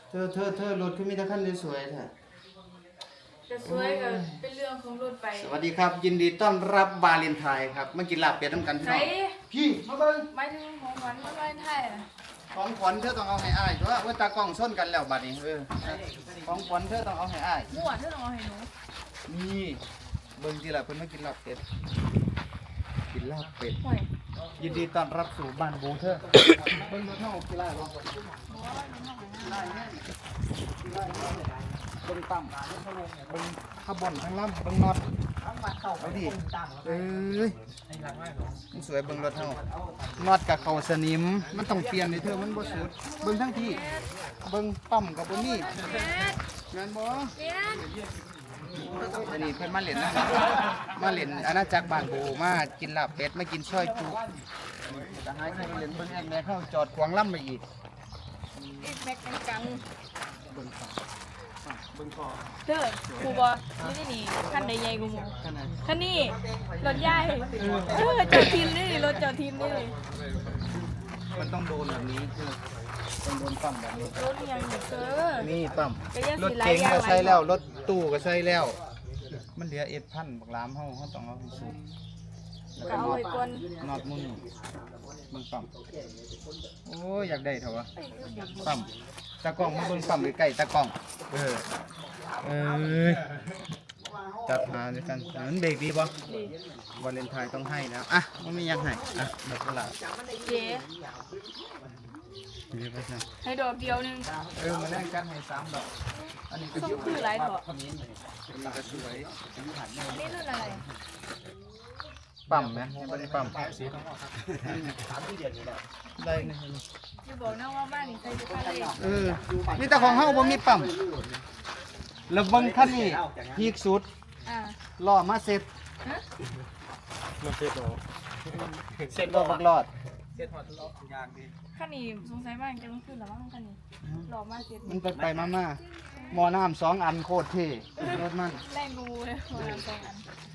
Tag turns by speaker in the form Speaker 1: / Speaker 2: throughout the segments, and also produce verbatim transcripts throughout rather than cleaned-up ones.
Speaker 1: เธอเธอเธอรถคือมีแต่คันสวยๆแท้
Speaker 2: จะสวยก็เป็นเรื่องของรถไป
Speaker 1: สวัสดีครับยินดีต้อนรับบาเลนไทน์ครับมากินลาบเป็ดน้ำกันพี่น้องพี่มาเบิ่ง
Speaker 2: ไม่ถึงของขวัญมาไว้ไทยอ่ะ
Speaker 1: ของขวัญเธอต้องเอาให้อ้ายเพราะว่าตากล้องส้นกันแล้วบัดนี้เออของขวัญเธอต้องเอาให้อ้าย
Speaker 2: มั่วเธอต้องเอาให้หนู
Speaker 1: นี่เบิ่งทีละเพิ่นมากินลาบเป็ดกินลาบเป็ด
Speaker 2: ห่วย
Speaker 1: ยินดีต้อนรับสู่บ้านบูเธอเบิ่งรถเฮากี่ไร่บ่เบิ่งปั๊มเบิ่งขบวนทั้งลำเบิ่งน็อตเอาดิเอ้ยมันสวยเบิ่งรถเฮาน็อตกับเข้าสนิมมันต้องเปลี่ยนนี่เธอมันบ่สุดเบิ่งทั้งที่เบิ่งปั๊มกับบ่มีแม่นบ่
Speaker 2: เจ๊ด
Speaker 1: อันนี้เพิ่นมาเล่นนะมาเล่นอาณาจักรบ้านบูมากินลาบเป็ดมากินช่อยจุแต่หายไปเล่นเบิ่งแอกแม่เข้าจอดขวางลำไปอีก
Speaker 2: อีกแม็กกัง
Speaker 1: เบิ่งคอเบิ่งคอ
Speaker 2: เธอครูบอนี่นี่คันใดใหญ่กูหมู
Speaker 1: ขนาด
Speaker 2: คันนี้รถใหญ่เออจอดทีมนี่รถจอดทีมนี่
Speaker 1: มันต้องโดนแบบนี้คือต้องโดนปั๊มแบบนี้
Speaker 2: รถยังอยู่เธอ
Speaker 1: นี่ปั๊ม
Speaker 2: ก็ยัง
Speaker 1: ร
Speaker 2: สิ
Speaker 1: ถ
Speaker 2: หลาย
Speaker 1: เก๋ง
Speaker 2: อย่าง
Speaker 1: ก็
Speaker 2: หลาย
Speaker 1: ใส่แล้วรถตู้ก็ใส่แล้ว มันเหลือเอ็ดพันบักลามเฮาเฮาต้องเอาให้สุด
Speaker 2: ก็เอาไว้ก่อน
Speaker 1: นอดมุนเบิ่งปั๊มโอ้ยอยากได้เถอะวะปั๊มตากล้องมาเบิ่งปั๊มใกล้ๆตากล้องเออเออจัดหาด้วยกันมันเบรกดีบ่
Speaker 2: ดี
Speaker 1: วาเลนไทน์ต้องให้แล้วอ่ะมันไม่ยังให้อ่ะดอกกุหลาบ
Speaker 2: เจ๊
Speaker 1: เดี๋ยวไปซะ
Speaker 2: ให้ดอกเดียวหนึง
Speaker 1: เออมาแลกกันให้สามดอกอันนี้ก็
Speaker 2: ส้มคือหลายเถอะ
Speaker 1: อันนี้ก็สวย
Speaker 2: นี่รุ่นอะไร
Speaker 1: ปั๊มไหมไม่ได้ปั๊มได้นะ
Speaker 2: จะบอกนะว่าบ้านนี่ใส่ทุกคันเลย
Speaker 1: เออมีแต่ของเฮาบ่มีปั๊มแล้วเบิ่งคันนี้พีคสุด
Speaker 2: อ่า
Speaker 1: ล้อมาเซ็ต
Speaker 2: ฮะ
Speaker 1: มาเซ็ตล้อเซ็ตล้อบักรอด
Speaker 2: คันนี้สงสัยมากจะมันขึ้นหรือมั้งคันนี้หล่อมากเจ็ด
Speaker 1: มันไปไปมามาหมอน้ำสองอันโคตรเท่รถมัน
Speaker 2: แรงงูเลยหัวน้ำสองอัน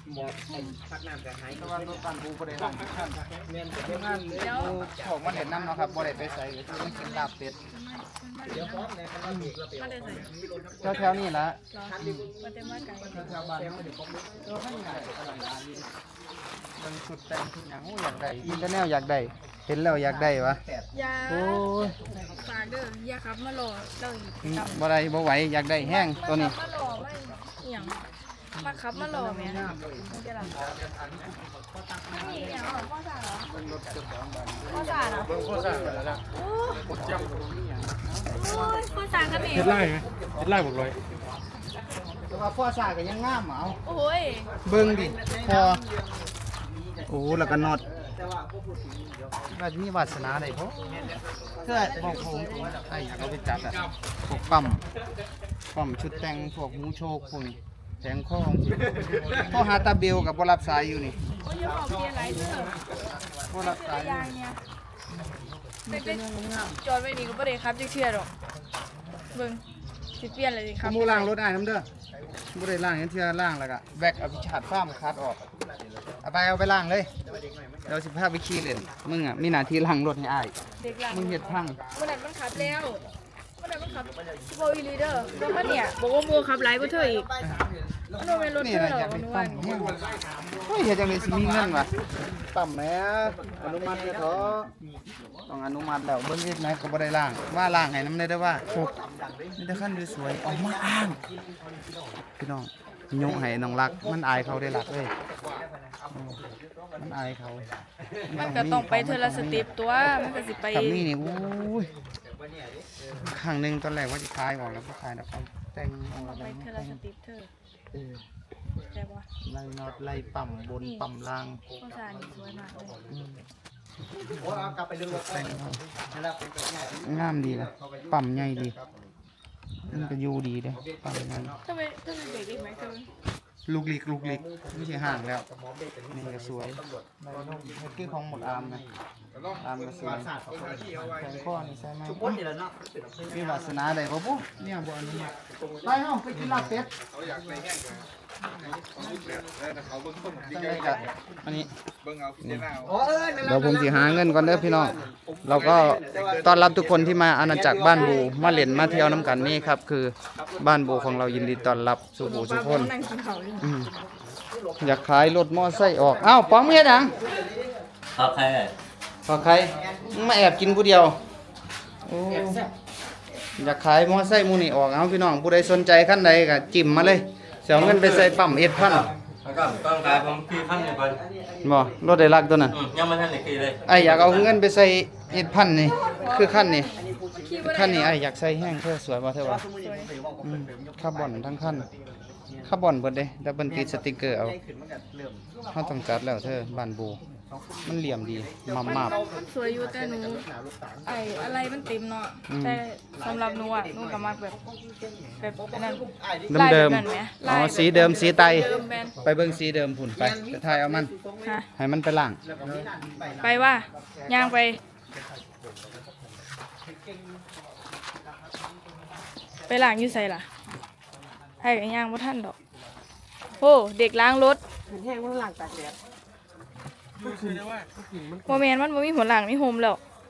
Speaker 1: แต่ว่ารถบ้านกูบ่ได้ล้างทุกคันแม่นเฮ็ดงานกูชอบมาเล่นน้ำเนาะครับบ่ได้ไปใส่ก็คือมันกินลาบเป็ด
Speaker 2: เดี๋ยวพร้อมเลยคันนี้มาได้ใส่
Speaker 1: แถวๆนี้ละ
Speaker 2: รอมาเต็มมาไก่
Speaker 1: แถวๆบ้านเฮาเออให้ได้มันสุดแต่งทุกอย่างโอ้อยากได้อินเทอร์แนลอยากได้เห็นแล้วอยากได้วะ
Speaker 2: ยา
Speaker 1: โอ้ย
Speaker 2: ฝากเด้อยาครับมาหล่อเราอีก
Speaker 1: อืมบ่ได้บ่ไหวอยากได้แห้งตัวนี้
Speaker 2: มาหล่อไม่เหี่ยงมาครับมาหล่อแม่มันจะหลับนี่เหี่ยงเหรอพ่อจ่าเหรอพ่อจ่าเหรอ
Speaker 1: เบิ่งโคตรซ่าแล้ว
Speaker 2: โอ้ยพ่อจ่ากันนี่
Speaker 3: เฮ็ดไร่ไหมเฮ็ดไร่บอกเลย
Speaker 1: แต่ว่าพ่อซ่าก็ยังงามเอา
Speaker 2: โอ้ย
Speaker 1: เบิ่งดิพอโอ้แล้วก็น็อตว่ามีวาสนาได้บ่เพื่อบอกผมไอ้อยากเอาไปจัดอ่ะพวกปั๊มปั๊มชุดแต่งพวกหมูโชคพวกนี้แทงข้อพ่อหาตาเบลกับบ่รับสายอยู่นี่
Speaker 2: โอ้ยอย่าบอกเพียอะไรเด้อ
Speaker 1: บ่รับสายอยู่
Speaker 2: ยางเนี่ยเป็นจอดไว้นี่ก็บ่ได้ครับจักเชื่อดอกเบิ่งสิเปลี่ยนเลยสิครับ
Speaker 1: มูล้างรถอ้ายน้ำเด้อบ่ได้ล้างเห็นเทื่อล้างแล้วก็แบกเอาไปฉาดฟ้ามคัดออกเอาไปเอาไปล้างเลยเดี๋ยวสิพาไปขี่เล่นมึงอ่ะมีหน้าที่ล้างรถให้อ้าย
Speaker 2: เด็กหลัง
Speaker 1: มึงเฮ็ดพัง
Speaker 2: เมื่อไหร่มันขับแล้วเมื่อไหร่มันขับโบอีลีเดอร์บอกว่าเนี่ยบอกว่าโมขับไลฟ์ก็เธออีกมันโดนเป็นรถ
Speaker 1: นี่
Speaker 2: เธอ
Speaker 1: นะ
Speaker 2: เหรอ
Speaker 1: อยาก
Speaker 2: มั
Speaker 1: ได้
Speaker 2: น
Speaker 1: ปั๊
Speaker 2: ว่าม
Speaker 1: แห้งเฮ้ยเฮ็ดจังได๋สิมีเงินวะปั๊มแหมอนุมัติเด้อเถอะต้องอนุมัติแล้วเบิ่งเฮ็ดไหนก็บ่ได้ล้างว่าล้างให้นำได้เด้อว่ามีแต่คันสวยๆเอามาอ้างพี่น้องยกให้น้องรักมันอายเขาได้รักเอ้ยอืมมันอายเขา
Speaker 2: มั
Speaker 1: มัน
Speaker 2: ก็ต้องไปเทอละสเต็ปตัวมันก็สิไป
Speaker 1: กับนี่นี่โอ้ยครั้งหนึงตอนแรกว่าจะขายออกแล้วบ่ขายแล้วเขาแต่งเอา
Speaker 2: ไป
Speaker 1: อะไร
Speaker 2: เทอ
Speaker 1: แต่
Speaker 2: ละ
Speaker 1: ง
Speaker 2: สเต็ปเธอ
Speaker 1: เออ
Speaker 2: แต่ว่า
Speaker 1: ไล่น็อตไล่ปั๊มบนปั๊มล่าง
Speaker 2: ข้าวสารนี่สวยมากเลย
Speaker 1: อืมแต่งเอางามดีนะปั๊มใหญ่ดีมันก็อยู่ดีเด้ปั๊มใหญ่
Speaker 2: ทำไมทำไมเบรกอีกไหมเธอ
Speaker 1: ลูกหลิกลูกหลิกไม่ใช่ห่างแล้วนี่ก็สวยไดโน่เฮ็ดคือของหมดอามนะอามก็สวยแขนข้อนี่ใช่ไหมมีวาสนาได้บ่ปุ๊เนี่ยบ่อนุมัติไปเฮาไปกินลาบเป็ดจังไดกะอันนี้
Speaker 3: เบิ่งเอาพิจารณาเอา
Speaker 1: เดี๋ยวผมสิหาเงินก่อนเด้อพี่น้องเราก็ต้อนรับทุกคนที่มาอาณาจักรบ้านบูมาเล่นมาเที่ยวน้ำกันนี่ครับคือบ้านบูของเรายินดีต้อนรับสู่ผู้ทุกคน
Speaker 2: นั่งกินข้าวอยู่
Speaker 1: อืมอยากขายรถมอไซค์ออกอ้าวป้อมเฮ็ดหยัง
Speaker 4: ครับใคร
Speaker 1: ขอใครมึงมาแอบกินผู้เดียวโอ้อยากขายมอไซค์หมูนี่ออกเอาพี่น้องผู้ใดสนใจคันใดก็จิ้มมาเลยเสียเงินไปใส่ปั๊มเอ็ดพัน
Speaker 4: แล้วก็ต้องการผมคือขั้นหนึ่งก่อน
Speaker 1: บ่รถได้รักตัวนั้น
Speaker 4: อืมยังไม่ทันได้คือเลย
Speaker 1: ไอ้อยากเอาเงินไปใส่เอ็ดพันนี่คือขั้นนี่
Speaker 2: ขี่บ่ได้
Speaker 1: ขั้นนี้ไอ้อยากใส่แห้งเธอสวยบ่เธอวะอืมคาร์บอนทั้งขั้นคาร์บอนเบิดเด้แต่เบิ่นติดสติกเกอร์เอาเฮาต้องจัดแล้วเธอบ้านบูมันเหลี่ยมดีมา
Speaker 2: มัน
Speaker 1: มาบ
Speaker 2: มันสวยอยู่แต่หนูไอ้อะไรมันเต็มเนาะแต่สำหรับหนูอ่ะหนูก็มักแบบแบบอันนั้น
Speaker 1: เดิมเดิม
Speaker 2: ลายแบบนั้นไหม
Speaker 1: อ๋อ
Speaker 2: ลายแบบ
Speaker 1: สีเดิมสีไต
Speaker 2: เดิมแบน
Speaker 1: ไปเบิ่งสีเดิมพุ่นไปไปถ่ายเอามัน
Speaker 2: ฮะ
Speaker 1: ให้มันไปล่าง
Speaker 2: ไปว่าย่างไป ไปล้างอยู่ใส่ล่ะให้กันย่างบ่ทันดอกโอ้เด็กล้างรถ
Speaker 5: แห้งมันหลังตากแดด
Speaker 2: โมเมนมันบ่มีหัวหลังมีโฮมแล้ว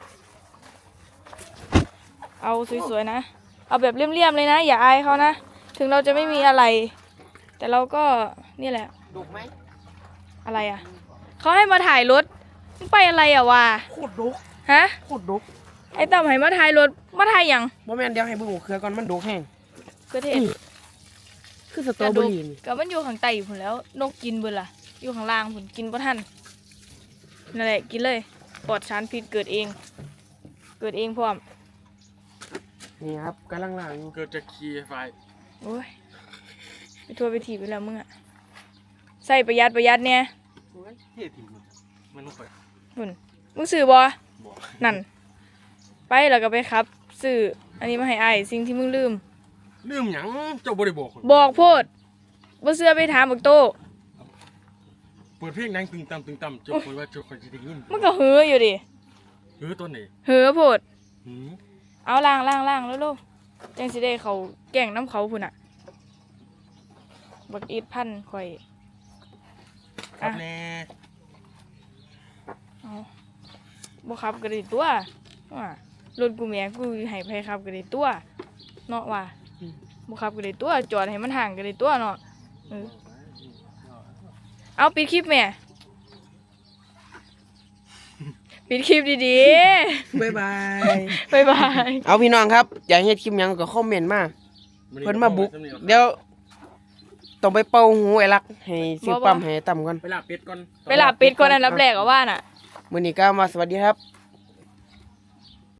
Speaker 2: เอาสวยๆนะ เอาแบบเลี่ยมๆเลยนะ อย่าอายเขานะ ถึงเราจะไม่มีอะไร แต่เราก็นี่แหละ
Speaker 5: ดุไหม
Speaker 2: อะไรอ่ะ เขาให้มาถ่ายรถมึงไปอะไรอ่ะวะ
Speaker 5: โคตรดุก
Speaker 2: ฮะ
Speaker 5: โคตรดุก
Speaker 2: ไอ้ต่ำให้มาถ่ายรถ มาถ่ายหยัง
Speaker 5: บ่แม่นเดี๋ยวให้เบิ่งหัวเครือก่อนมันดุกแห้ง
Speaker 2: คือเทศ
Speaker 5: คือสตรอเบอรี่นี่
Speaker 2: ก็มันอยู่ข้างใต้พุ่นแล้ว นกกินเบิ่นล่ะ อยู่ข้างล่างพุ่นกินบ่ทันนั่นแหละกินเลยปลอดสารพิษเกิดเอง เกิดเองพร้อม
Speaker 5: นี่ครับกำลังล้างอยู่
Speaker 3: เกิดจากคีย์ไฟ
Speaker 2: โอ้ยไปทัวร์ไปถีบไปแล้วมึงอะใส่ประหยัดประหยัดเนี่ย
Speaker 3: เท่ถิ่มมันต้องเปิด
Speaker 2: หุ่นมึงซื้อบอนั่น ไปแล้วก็ไปครับ ซื้ออันนี้มาให้อ้ายสิ่งที่มึงลืม
Speaker 3: ลืมหยังเจ้าบ่ได้บอก
Speaker 2: บอกโพดบ่เสื้อไปถามบักโต
Speaker 3: เปิดเพลงดังตึงตำตึงตำเจ้าคอยว่าเจ้าคอยจะได้ยิน
Speaker 2: มึงก็เหืออยู่ดิ
Speaker 3: เออต้นไหน
Speaker 2: เหือโพด
Speaker 3: หืม
Speaker 2: เอาล่างล่างล่างแล้วลูกจังสิได้เขาแก่งน้ำเขาพุ่นอ่ะ บักอีดพันข่อย
Speaker 3: ครับแน่
Speaker 2: เอาบ่ขับก็ได้ตัวว่ารถกูแม่กูให้ไผขับก็ได้ตัวเนาะว่าบ่ขับก็ได้ตัวจอดให้มันห่างก็ได้ตัวเนาะเออเอาปิดคลิปแม่ ปิดคลิปดี
Speaker 5: บ๊ายบาย
Speaker 2: ๆ บ๊ายบาย
Speaker 5: เอาพี่น้องครับอยากเฮ็ดคลิปหยังก็คอมเมนต์มาเพิ่นมาบุกเดี๋ยวต้องไปเป่าหูไอ้ลักให้ซื้อปั๊มให้ต่ำก่อน
Speaker 3: ไปลาเป็ดก่อน
Speaker 2: ไปหลับปิดก่อนอันดับแรกก็ว่าน่ะ
Speaker 5: มื้อนี้ก็มาสวัสดีครับ